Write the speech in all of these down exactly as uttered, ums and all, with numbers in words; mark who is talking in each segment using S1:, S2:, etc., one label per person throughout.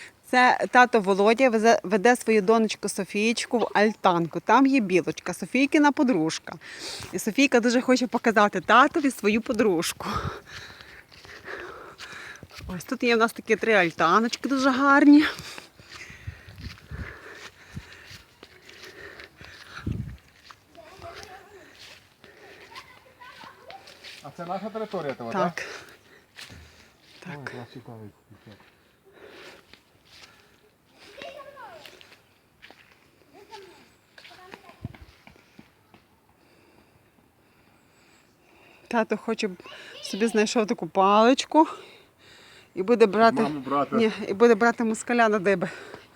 S1: Це тато Володя везе- веде свою донечку Софієчку в альтанку. Там є білочка, Софійкина подружка. І Софійка дуже хоче показати татові свою подружку. Ось тут є в нас такі три альтаночки дуже гарні.
S2: А це наша територія того,
S1: Так.
S2: так?
S1: Так.
S2: Ой, клас цікавий.
S1: Тато хоче собі знайшов таку паличку і буде брати,
S2: Маму брати.
S1: Ні, і буде брати москаля на диби.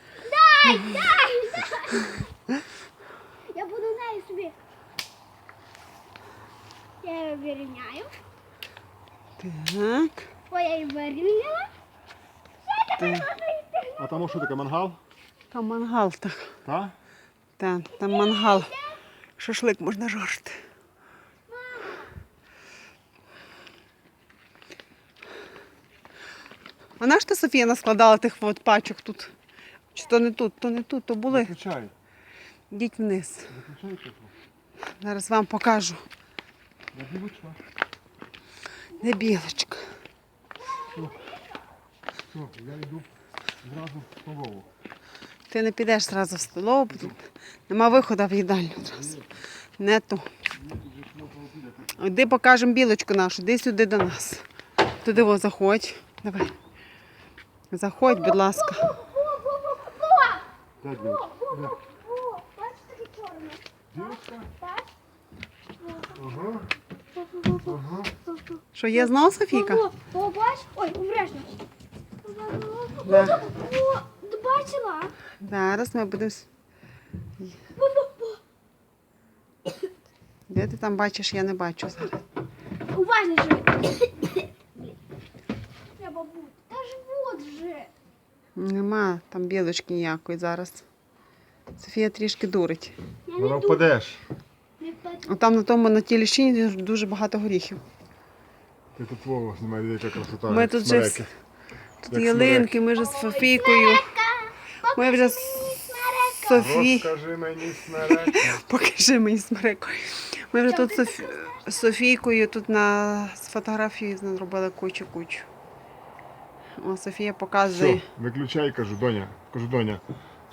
S3: Я буду нею собі. Я її вирівняю.
S1: Так.
S3: Ой, я її вирівняла.
S1: так.
S2: А там що таке, мангал?
S1: Там мангал, так.
S2: Так?
S1: Там, там мангал. Шашлик можна жарити. А на що Софія наскладала тих от пачок тут? Чи то не тут, то не тут, то були.
S2: Виключай.
S1: Йдіть вниз.
S2: Виключай тепло.
S1: Зараз вам покажу.
S2: Я білочка.
S1: Де білочка?
S2: Все, я йду зразу в столову.
S1: Ти не підеш одразу в столову, бо тут нема виходу в їдальню одразу. Не то. Йди покажемо білочку нашу, йди сюди до нас. Туди во, заходь. Давай. Заходь, будь ласка.
S2: Де білочка? Де?
S3: О, бачиш, таке чорне.
S2: Білочка?
S3: Так?
S2: Ага. Ага.
S1: Що, є знову Софійка?
S3: О, о, бач? Ой, обережно.
S1: Да.
S3: О, ти бачила?
S1: Зараз ми будемо... с- Де ти там бачиш, я не бачу зараз.
S3: Уважно же. Треба бути. Та ж вот же.
S1: Нема там білочки ніякої зараз. Софія трішки дурить.
S3: Я
S2: Вона
S3: не тут.
S2: впадеш.
S3: Не впаду.
S1: О, там на тому на тій ліщині дуже багато горіхів.
S2: Ти тут Вова знімає, яка красота.
S1: Ми
S2: як
S1: тут вже
S2: смереки.
S1: Тут
S2: Як
S1: ялинки, ми вже з Софійкою. Ми вже з Софі...
S2: Розкажи мені смереки.
S1: Покажи мені смереку. Ми вже тут з Софі... з Софійкою тут на з фотографії зробили кучу-кучу. О, Софія показує.
S2: Все, виключай, кажу, доня. Кажу, доня.